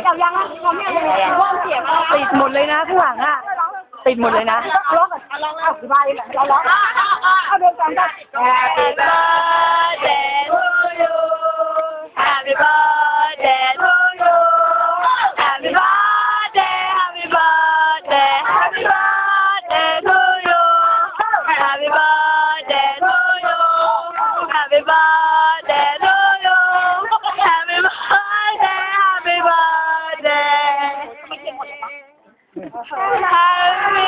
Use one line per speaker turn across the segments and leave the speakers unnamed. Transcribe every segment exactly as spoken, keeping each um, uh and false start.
จับยังอ่ะพร้อมยังว่างเสียงติดหมดเลยนะข้างหลังอ่ะติดหมดเลยนะร้องก่อนร้องเอาไปเลยเราร้องเอาเดินกันกัน
Happy birthday to you Happy birthday to you Happy birthday Happy birthday Happy birthday to you Happy birthday to you Happy birthday to you Happy birthday Happy birthday Happy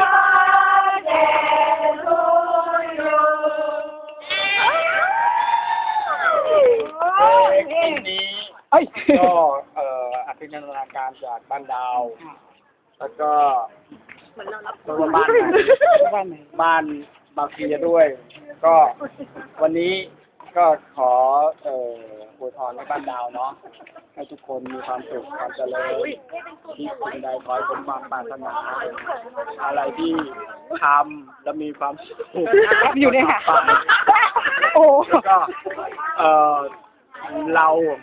เพลงนี้ก็เอ่ออภินันทนาการจากบ้านดาว แล้วก็ตัวบ้านบ้านบางพีด้วย ก็วันนี้ก็ขอเอ่ออวยพรให้บ้านดาวเนาะให้ทุกคนมีความสุขความเจริญที่สิ่งใดขอให้สมความปรารถนาอะไรที่ทำแล้วมีความสุข
อยู่เนี่ยค่ะ
โอ้ก็เอ่อเรา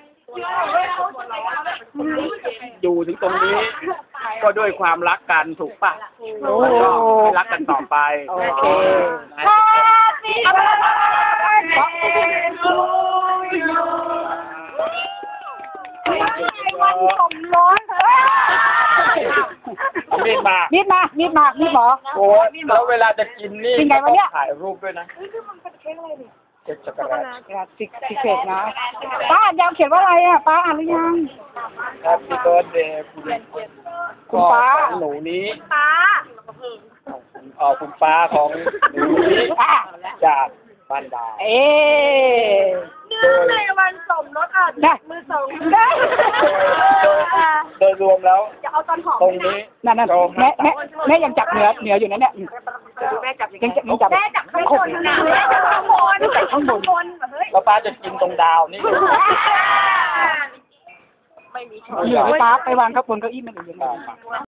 อยู่ถึงตรงนี้ ก็ด้วยความรักกันถูกปะก็ให้รักกันต่อไปโอเคนะ
Happy birthday to you
วันสมรส
มีดมา
มีดมามีดมามีดหมอ
โอ้แล้วเวลาจะกินนี่
กินไงวะเนี่ย
ถ่ายรูปด้วยนะเค้กช็อกโกแลต
สิกสิกเศษนะป้าอ่านยังเขียนว่าอะไรอ่ะป้าอ่านหรือยัง
Happy birthday คุณ
คุณป้า
ของหนูนี้
ป้า
เออคุณป้าของหนูนี้จากบ้านดาว
เอ๊ะ
เนื่องในวันสมรสอ่ะ
ได้
มือสอง
ได้
โดยรวมแล้ว
จะเอาตอนหอม
ตรงนี้
นั่นนั่นแม่แม่แม่ยังจับเหนือเหนืออยู่นั่นเนี่ย
แม่จับ
ยังจับยังจับ
แม่จับข้างบนนะแม่จับข้างบน
จับข้างบน
บนเฮ้ย
แล้วป้าจะกินตรงดาวนี่
ไม่มี
เหนือให้ป้าไปวางครับบนเก้าอี้มันอยู่ยังไง